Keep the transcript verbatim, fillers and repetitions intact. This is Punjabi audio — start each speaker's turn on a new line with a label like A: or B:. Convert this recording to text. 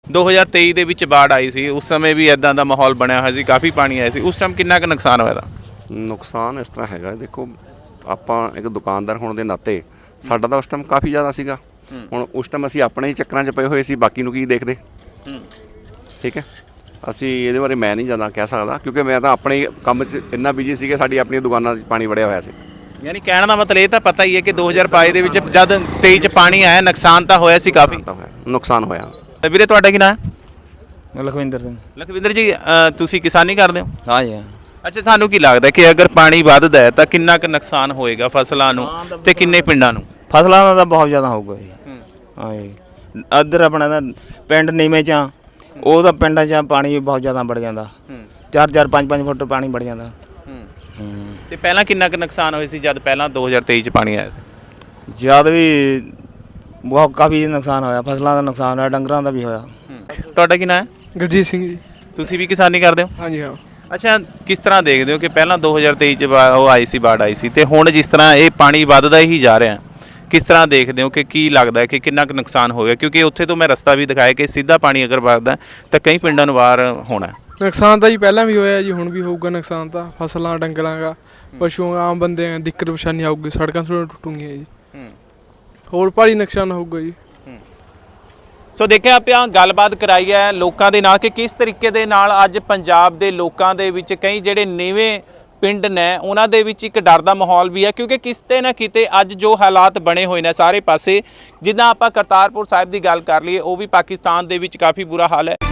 A: ਦੋ ਹਜ਼ਾਰ ਤੇਈ ਦੇ ਵਿੱਚ ਬਾੜ ਆਈ ਸੀ, ਉਸ ਸਮੇਂ ਵੀ ਇਦਾਂ ਦਾ ਮਾਹੌਲ ਬਣਿਆ ਹੋਇਆ ਸੀ, ਕਾਫੀ ਪਾਣੀ ਆਇਆ ਸੀ, ਉਸ ਟਾਈਮ ਕਿੰਨਾ ਕੁ ਨੁਕਸਾਨ ਹੋਇਆ ਦਾ?
B: ਨੁਕਸਾਨ ਇਸ ਤਰ੍ਹਾਂ ਹੈਗਾ, ਦੇਖੋ ਆਪਾਂ ਇੱਕ ਦੁਕਾਨਦਾਰ ਹੋਣ ਦੇ ਨਾਤੇ ਸਾਡਾ ਤਾਂ ਉਸ ਟਾਈਮ ਕਾਫੀ ਜ਼ਿਆਦਾ ਸੀਗਾ। ਹੁਣ ਉਸ ਟਾਈਮ ਅਸੀਂ ਆਪਣੇ ਹੀ ਚੱਕਰਾਂ 'ਚ ਪਏ ਹੋਏ ਸੀ, ਬਾਕੀ ਨੂੰ ਕੀ ਦੇਖਦੇ। ਠੀਕ ਹੈ, ਅਸੀਂ ਇਹਦੇ ਬਾਰੇ ਮੈਂ ਨਹੀਂ ਜ਼ਿਆਦਾ ਕਹਿ ਸਕਦਾ, ਕਿਉਂਕਿ ਮੈਂ ਤਾਂ ਆਪਣੇ ਕੰਮ 'ਚ ਇੰਨਾ ਬਿਜੀ ਸੀਗਾ, ਸਾਡੀ ਆਪਣੀਆਂ ਦੁਕਾਨਾਂ 'ਚ ਪਾਣੀ ਵੜਿਆ ਹੋਇਆ ਸੀ।
A: ਯਾਨੀ ਕਹਿਣ ਦਾ ਮਤਲਬ ਇਹ ਤਾਂ ਪਤਾ ਹੀ ਹੈ ਕਿ ਦੋ ਹਜ਼ਾਰ ਬਾਈ ਦੇ ਵਿੱਚ ਜਦ ਤੇਈ 'ਚ ਪਾਣੀ ਆਇਆ, ਨੁਕਸਾਨ ਤਾਂ ਹੋਇਆ ਸੀ ਕਾਫੀ।
B: ਨੁਕਸਾਨ ਹੋਇਆ।
A: ਵੀਰੇ ਤੁਹਾਡਾ ਕੀ ਨਾਮ ਹੈ?
C: ਲਖਵਿੰਦਰ ਸਿੰਘ।
A: ਲਖਵਿੰਦਰ ਜੀ, ਅ, ਤੁਸੀਂ ਕਿਸਾਨੀ ਕਰਦੇ ਹੋ?
C: ਹਾਂ ਜੀ।
A: ਅੱਛਾ, ਤੁਹਾਨੂੰ ਕੀ ਲੱਗਦਾ ਕਿ ਅਗਰ ਪਾਣੀ ਵੱਧਦਾ ਹੈ ਤਾਂ ਕਿੰਨਾ ਕੁ ਨੁਕਸਾਨ ਹੋਏਗਾ ਫਸਲਾਂ ਨੂੰ ਤੇ ਕਿੰਨੇ ਪਿੰਡਾਂ ਨੂੰ?
C: ਫਸਲਾਂ ਦਾ ਤਾਂ ਬਹੁਤ ਜ਼ਿਆਦਾ ਹੋਊਗਾ ਜੀ। ਹਾਂ ਜੀ, ਇੱਧਰ ਆਪਣਾ ਤਾਂ ਪਿੰਡ ਨੀਵੇਂ 'ਚ ਆ, ਉਹ ਤਾਂ ਪਿੰਡਾਂ 'ਚ ਪਾਣੀ ਬਹੁਤ ਜ਼ਿਆਦਾ ਵੜ ਜਾਂਦਾ, ਚਾਰ ਚਾਰ ਪੰਜ ਪੰਜ ਫੁੱਟ ਪਾਣੀ ਵੜ ਜਾਂਦਾ।
A: ਤੇ ਪਹਿਲਾਂ ਕਿੰਨਾ ਕੁ ਨੁਕਸਾਨ ਹੋਇਆ ਸੀ ਜਦ ਪਹਿਲਾਂ ਦੋ ਹਜ਼ਾਰ ਤੇਈ 'ਚ ਪਾਣੀ ਆਇਆ ਸੀ?
C: ਜਦ ਵੀ ਬਹੁਤ ਕਾਫੀ ਨੁਕਸਾਨ ਹੋਇਆ, ਫਸਲਾਂ ਦਾ ਨੁਕਸਾਨ ਹੋਇਆ, ਡੰਗਰਾਂ ਦਾ ਵੀ ਹੋਇਆ।
A: ਤੁਹਾਡਾ ਕੀ ਨਾਮ ਹੈ?
D: ਗੁਰਜੀਤ ਸਿੰਘ ਜੀ।
A: ਤੁਸੀਂ ਵੀ ਕਿਸਾਨੀ ਕਰਦੇ ਹੋ?
D: ਹਾਂਜੀ ਹਾਂ।
A: ਅੱਛਾ, ਕਿਸ ਤਰ੍ਹਾਂ ਦੇਖਦੇ ਹੋ ਕਿ ਪਹਿਲਾਂ ਦੋ ਹਜ਼ਾਰ ਤੇਈ 'ਚ ਬਾ- ਉਹ ਆਈ ਸੀ, ਬਾੜ ਆਈ ਸੀ, ਤੇ ਹੁਣ ਜਿਸ ਤਰ੍ਹਾਂ ਇਹ ਪਾਣੀ ਵੱਧਦਾ ਹੀ ਜਾ ਰਿਹਾ, ਕਿਸ ਤਰ੍ਹਾਂ ਦੇਖਦੇ ਹੋ ਕਿ ਕੀ ਲੱਗਦਾ ਹੈ ਕਿ ਕਿੰਨਾ ਕੁ ਨੁਕਸਾਨ ਹੋਵੇਗਾ? ਕਿਉਂਕਿ ਉੱਥੇ ਤੋਂ ਮੈਂ ਰਸਤਾ ਵੀ ਦਿਖਾਇਆ ਕਿ ਸਿੱਧਾ ਪਾਣੀ ਅਗਰ ਵੱਧਦਾ ਤਾਂ ਕਈ ਪਿੰਡਾਂ ਨੂੰ ਬਾਹਰ ਹੋਣਾ।
D: ਨੁਕਸਾਨ ਤਾਂ ਜੀ ਪਹਿਲਾਂ ਵੀ ਹੋਇਆ ਜੀ, ਹੁਣ ਵੀ ਹੋਊਗਾ ਨੁਕਸਾਨ ਤਾਂ। ਫਸਲਾਂ, ਡੰਗਰਾਂ ਦਾ, ਪਸ਼ੂਆਂ, ਆਮ ਬੰਦੇ ਆ, ਦਿੱਕਤ ਪਰੇਸ਼ਾਨੀ ਆਊਗੀ, ਸੜਕਾਂ ਸੁੜਕਾਂ ਟੁੱਟੂਗੀਆਂ ਜੀ, ਹੋਰ ਭਾਰੀ ਨੁਕਸਾਨ ਹੋਊਗਾ ਜੀ।
A: ਸੋ ਦੇਖਿਆ ਆਪਾਂ ਗੱਲਬਾਤ ਕਰਾਈ ਹੈ ਲੋਕਾਂ ਦੇ ਨਾਲ ਕਿ ਕਿਸ ਤਰੀਕੇ ਦੇ ਨਾਲ ਅੱਜ ਪੰਜਾਬ ਦੇ ਲੋਕਾਂ ਦੇ ਵਿੱਚ ਕਈ ਜਿਹੜੇ ਨੀਵੇਂ ਪਿੰਡ ਨੇ ਉਹਨਾਂ ਦੇ ਵਿੱਚ ਇੱਕ ਡਰ ਦਾ ਮਾਹੌਲ ਵੀ ਹੈ, ਕਿਉਂਕਿ ਕਿਤੇ ਨਾ ਕਿਤੇ ਅੱਜ ਜੋ ਹਾਲਾਤ ਬਣੇ ਹੋਏ ਨੇ ਸਾਰੇ ਪਾਸੇ, ਜਿੱਦਾਂ ਆਪਾਂ ਕਰਤਾਰਪੁਰ ਸਾਹਿਬ ਦੀ ਗੱਲ ਕਰ ਲਈਏ, ਉਹ ਵੀ ਪਾਕਿਸਤਾਨ ਦੇ ਵਿੱਚ ਕਾਫੀ ਬੁਰਾ ਹਾਲ ਹੈ।